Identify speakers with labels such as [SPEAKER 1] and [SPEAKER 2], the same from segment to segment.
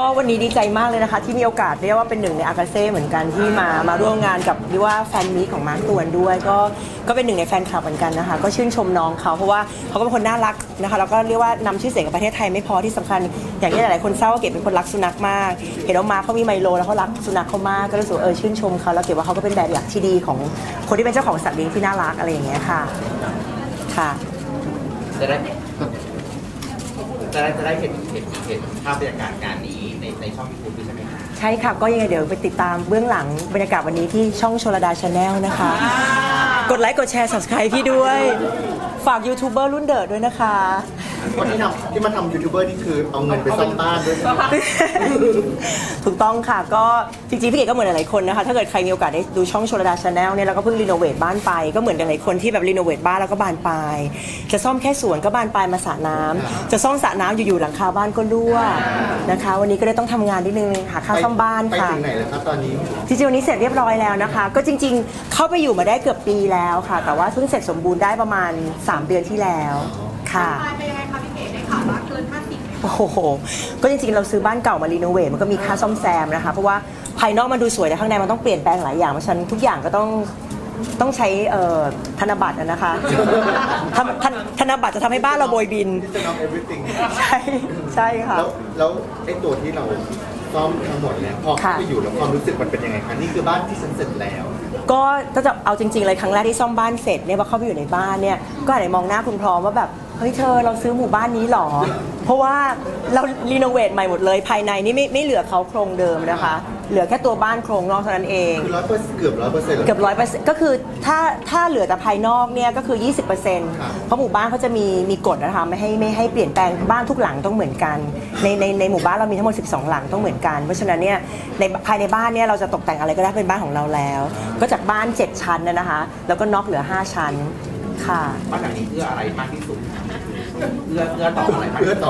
[SPEAKER 1] วันนี้ดีใจมากเลยนะคะที่มีโอกาสเรียกว่าเป็นหนึ่งในอากาเซ่เหมือนกันที่มาร่วมงานกับเรียกว่าแฟนมีตของมาร์คตวนด้วยก็เป็นหนึ่งในแฟนคลับเหมือนกันนะคะก็ชื่นชมน้องเขาเพราะว่าเขาก็เป็นคนน่ารักนะคะแล้วก็เรียกว่านำชื่อเสียงกับประเทศไทยไม่พอที่สำคัญอย่างที่หลายๆคนทราบว่าเกดเป็นคนรักสุนัขมากเห็นว่ามาร์คเขามีไมโลแล้วเขารักสุนัขเขามากก็รู้สึกชื่นชมเขาแล้วเกดว่าเขาก็เป็นแบบอย่างที่ดีของคนที่เป็นเจ้าของสัตว์เลี้ยงที่น่ารักอะไรอย่างเงี้ยค่ะ
[SPEAKER 2] จะได้เห็นภาพบรรยากาศงานนี้ในช่อง YouTube ด้วยใช่ไหมคะ
[SPEAKER 1] ใช่ค่ะก็ยังไงเดี๋ยวไปติดตามเบื้องหลังบรรยากาศวันนี้ที่ช่องโชลดาชาแนลนะคะกดไลค์กดแชร์ Subscribe พี่ด้วยฝากยูทูบเบอร์รุ่นเดิร์ดด้วยนะคะ
[SPEAKER 3] คนที่มาทำยูทูบเบอร์นี่คือเอาเงินไปซ่อมบ้านด้วย
[SPEAKER 1] ถูกต้องค่ะก็จริงๆพี่เกดก็เหมือนหลายคนนะคะถ้าเกิดใครมีโอกาสได้ดูช่องโชลดาชาแนลเนี่ยเราก็เพิ่งรีโนเวทบ้านไปก็เหมือนหลายคนที่แบบรีโนเวทบ้านแล้วก็บานปลายจะซ่อมแค่สวนก็บานปลายมาสระน้ำจะซ่อมสระน้ำอยู่ๆหลังคาบ้านก็รั่วนะคะวันนี้ก็เลยต้องทำงานนิดนึงหาค่าซ่อมบ้านค่ะ
[SPEAKER 3] ไปถึงไหนแล้วครับตอนนี้
[SPEAKER 1] จริงๆวันนี้เสร็จเรียบร้อยแล้วนะคะก็จริงๆเข้าไปอยู่มาได้เกือบปีแล้วค่ะแต่ว่าเพิ่งเสร็จสมบูรณ์ได้ประมาณ3 เดือนที่แล้วค่ะ
[SPEAKER 4] เป็นยังไงคะพี่เก๋ได้ข่าวว่าเกิน50
[SPEAKER 1] โอ้โหก็จริงๆเราซื้อบ้านเก่ามารีโนเวทมันก็มีค่าซ่อมแซมนะคะเพราะว่าภายนอกมันดูสวยแต่ข้างในมันต้องเปลี่ยนแปลงหลายอย่างเพราะฉะนั้นทุกอย่างก็ต้องใช้ธนบัตรนะคะธนบัตรจะทำให้บ้านเราโบยบินใช่ค่ะ
[SPEAKER 3] แล้วไอ้ตัวที่เราซ่อมทั้งหมดเนี่ยพอเข้าไปอยู่แล้วความรู้สึกมันเป็นยังไงคะนี่คือบ้านที่ฉันเสร็จแล้ว
[SPEAKER 1] ก็ถ้าจะเอาจริงๆเลยครั้งแรกที่ซ่อมบ้านเสร็จเนี่ยพอเข้าไปอยู่ในบ้านเนี่ยก็อาจจะมองหน้าคุณพร้อมว่าแบบเฮ้ยเธอเราซื้อหมู่บ้านนี้หรอเพราะว่าเรารีโนเวทใหม่หมดเลยภายในนี่ไม่เหลือเขาโครงเดิมนะคะเหลือแค่ตัวบ้านโครงนอกเท่านั้นเอง
[SPEAKER 3] คือเกือบ
[SPEAKER 1] 100%ก็คือถ้าเหลือแต่ภายนอกเนี่ยก็คือ 20%เพราะหมู่บ้านเขาจะมีกฎนะคะไม่ให้เปลี่ยนแปลงบ้านทุกหลังต้องเหมือนกันในหมู่บ้านเรามีทั้งหมด12 หลังต้องเหมือนกันเพราะฉะนั้นเนี่ยภายในบ้านเนี่ยเราจะตกแต่งอะไรก็ได้เป็นบ้านของเราแล้วก็จากบ้าน7 ชั้นนะคะแล้วก็น็อกเหลือ5 ชั้นค่ะ
[SPEAKER 2] บ้านหลังนี้เพื่ออะไรมากที่สุดเพื่อต่ออะไร
[SPEAKER 3] เพื่อต่อ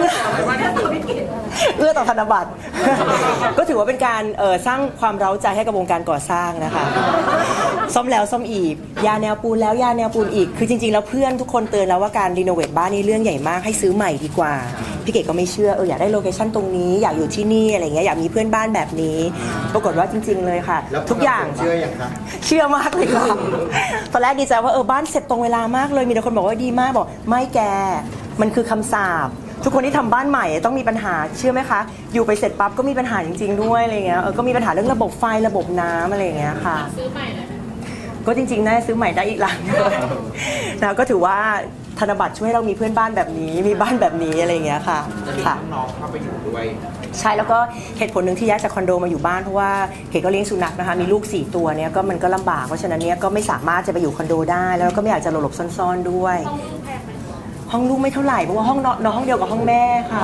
[SPEAKER 1] ธนบัตรก็ถือว่าเป็นการสร้างความเร้าใจให้กับวงการก่อสร้างนะคะซ่อมแล้วซ่อมอีกยาแนวปูนแล้วยาแนวปูนอีกคือจริงๆแล้วเพื่อนทุกคนเตือนแล้วว่าการรีโนเวทบ้านนี่เรื่องใหญ่มากให้ซื้อใหม่ดีกว่าพี่เก๋ก็ไม่เชื่ออยากได้โลเคชั่นตรงนี้อยากอยู่ที่นี่อะไรเงี้ยอยากมีเพื่อนบ้านแบบนี้ปรากฏว่าจริงๆเลยค่ะทุกอย่าง
[SPEAKER 3] เชื่ออย่างคะ
[SPEAKER 1] เชื่อมากเลยค่ะตอนแรกดีใจว่าบ้านเสร็จตรงเวลามากเลยมีแต่คนบอกว่าดีมากบอกไม่แกมันคือคำสาปทุกคนที่ทำบ้านใหม่ต้องมีปัญหาเชื่อไหมคะอยู่ไปเสร็จปั๊บก็มีปัญหาจริงๆด้วยอะไรเงี้ยก็มีปัญหาเรื่องระบบไฟระบบน้ำอะไรเงี้ยค่ะ
[SPEAKER 4] ซื้อใหม่เลย
[SPEAKER 1] ก็จริงๆน่าซื้อใหม่ได้อีกหลังเลยนะก็ถือว่าธนบัตรช่วยเรามีเพื่อนบ้านแบบนี้มีบ้านแบบนี้อะไรเงี้ยค่ะ
[SPEAKER 2] ค่ะน้องเข้าไปอยู่ด้วย
[SPEAKER 1] ใช่แล้วก็เหตุผลหนึ่งที่ย้ายจากคอนโดมาอยู่บ้านเพราะว่าเก๋ก็เลี้ยงสุนัขนะคะมีลูก4 ตัวเนี่ยก็มันก็ลำบากเพราะฉะนั้นเนี่ยก็ไม่สามารถจะไปอยู่คอนโดได้แล้วก็ไม่อยากจะหลบซ่อนๆด้วยห้องลูกไม่เท่าไหร่เพราะว่าห้องนอนห้องเดียวกับห้องแม่ค่ะ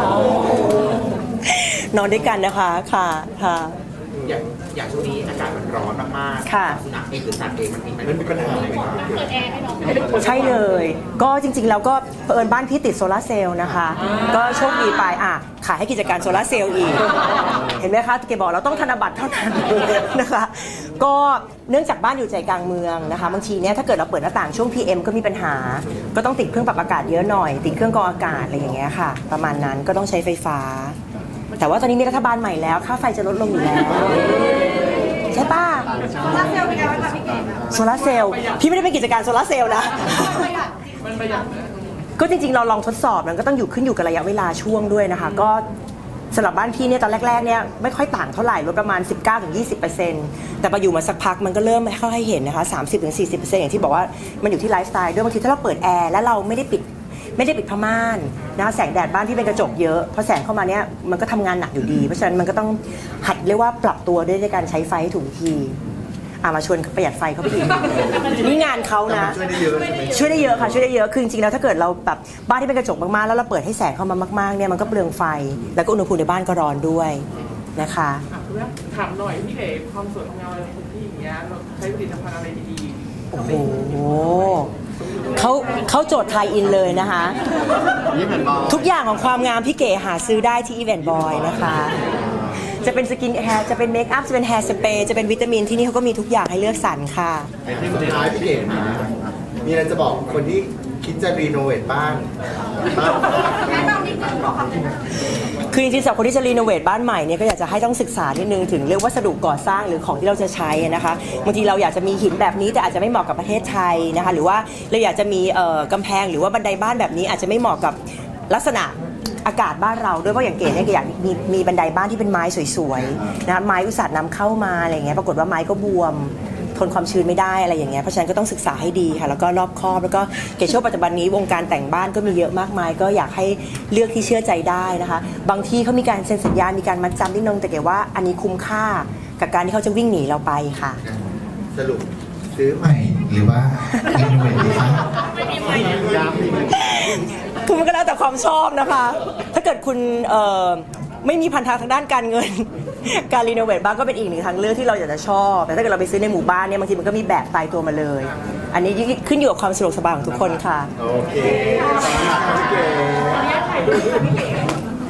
[SPEAKER 1] นอนด้วยกันนะคะค่ะ
[SPEAKER 2] อย่างช่วงนี้อากาศมันร้อนมากๆสุนัขเองหรือสัตว์เองมันมีปัญหาอะไรไหมครับ
[SPEAKER 4] เปิดแอร์ให้น้อง
[SPEAKER 1] ใช่เลยก็จริงๆแล้วก็เผอิญบ้านพี่ติดโซลาร์เซลล์นะคะก็โชคดีไปขายให้กิจการโซลาร์เซลล์อีกเห็นไหมคะเก๋บอกเราต้องธนบัตรเท่านั้นนะคะก็เนื่องจากบ้านอยู่ใจกลางเมืองนะคะบางทีเนี่ยถ้าเกิดเราเปิดหน้าต่างช่วง PM ก็มีปัญหาก็ต้องติดเครื่องปรับอากาศเยอะหน่อยติดเครื่องกรองอากาศอะไรอย่างเงี้ยค่ะประมาณนั้นก็ต้องใช้ไฟฟ้าแต่ว่าตอนนี้มีรัฐบาลใหม่แล้วค่าไฟจะลดลงอยู่แล้วใช่ป่ะ
[SPEAKER 4] โซลาร์เซลล์เป็นไงบ้างคะพี่เก๋
[SPEAKER 1] โซลาร์เซลล์พี่ไม่ได้เป็นกิจการโซลาร์เซลล์นะ
[SPEAKER 4] มันประหยัด
[SPEAKER 1] ก็จริงๆเราลองทดสอบมันก็ต้องขึ้นอยู่กับระยะเวลาช่วงด้วยนะคะก็สำหรับบ้านพี่เนี่ยตอนแรกๆเนี่ยไม่ค่อยต่างเท่าไหร่ลดประมาณ 19-20%แต่พออยู่มาสักพักมันก็เริ่มเข้าให้เห็นนะคะ 30-40% อย่างที่บอกว่ามันอยู่ที่ไลฟ์สไตล์ด้วยบางทีถ้าเราเปิดแอร์แล้วเราไม่ได้ปิดผ้าม่านนะคะแสงแดดบ้านที่เป็นกระจกเยอะพอแสงเข้ามาเนี่ยมันก็ทำงานหนักอยู่ดีเพราะฉะนั้นมันก็ต้องหัดเรียกว่าปรับตัวด้วยในการใช้ไฟให้ถูกวิธีมาชวนประหยัดไฟเขาไปอีกนี่งานเขานะ
[SPEAKER 3] ช่วยได้เยอะ
[SPEAKER 1] ค่ะช่วยได้เยอะคือจริงๆแล้วถ้าเกิดเราแบบบ้านที่เป็นกระจกมากๆแล้วเราเปิดให้แสงเข้ามามากๆเนี่ยมันก็เปลืองไฟแล้วก็อุณหภูมิในบ้านก็ร้อนด้วยนะคะ
[SPEAKER 5] ถามหน่อยพี่เก๋ความสวยความงามอะไรของพี่อย่างเงี้ยเราใช้ผลิตภัณฑ์อะไรดีๆ
[SPEAKER 1] โอ้โหเขาโจทย์ไทยอินเลยนะคะทุกอย่างของความงามพี่เก๋หาซื้อได้ที่อีเวนต์บอยนะคะจะเป็นสกินแฮร์จะเป็นเมคอัพจะเป็นแฮร์สเปรย์จะเป็นวิตามินที่นี่เขาก็มีทุกอย่างให้เลือกสรรค่ะ
[SPEAKER 3] สุดท้ายพี่เก๋มีอะไรจะบอกคนที่คิดคิดจะรีโนเวทบ้าน
[SPEAKER 4] แนะนำนิดนึงบอกคำแนะนำ
[SPEAKER 1] คือจริงๆสำหรับคนที่จะรีโนเวทบ้านใหม่เนี่ยก็อยากจะให้ต้องศึกษานิดนึงถึงเรื่องวัสดุก่อสร้างหรือของที่เราจะใช้นะคะบางทีเราอยากจะมีหินแบบนี้แต่อาจจะไม่เหมาะกับประเทศไทยนะคะหรือว่าเราอยากจะมีกำแพงหรือว่าบันไดบ้านแบบนี้อาจจะไม่เหมาะกับลักษณะอากาศบ้านเราด้วยเพราะอย่างเก๋เนี่ยก็อยากมีบันไดบ้านที่เป็นไม้สวยๆนะคะไม้อุตสาหนำเข้ามาอะไรเงี้ยปรากฏว่าไม้ก็บวมทนความชื้นไม่ได้อะไรอย่างเงี้ยเพราะฉะนั้นก็ต้องศึกษาให้ดีค่ะแล้วก็รอบคอบแล้วก็เก๋เชื่อว่าปัจจุบันนี้วงการแต่งบ้านก็มีเยอะมากมายก็อยากให้เลือกที่เชื่อใจได้นะคะบางที่เขามีการเซ็นสัญญามีการมัดจำนิดนึงแต่เก๋ว่าอันนี้คุ้มค่ากับการที่เขาจะวิ่งหนีเราไปค่ะ
[SPEAKER 3] สรุปซื้อใหม่
[SPEAKER 6] หรือว่ารีโนเวทดีคะ
[SPEAKER 1] คือมันก็แล้วแต่ความชอบนะคะ ถ้าเกิดคุณไม่มีพันธะทางด้านการเงิน การรีโนเวทบ้านก็เป็นอีกหนึ่งทางเลือกที่เราอยากจะชอบ แต่ถ้าเกิดเราไปซื้อในหมู่บ้านเนี่ยบางทีมันก็มีแบบตายตัวมาเลย อันนี้ขึ้นอยู่กับความสะดวกสบายของทุกคนค่ะ
[SPEAKER 3] โอเคขอบคุณค่ะพี่เก๋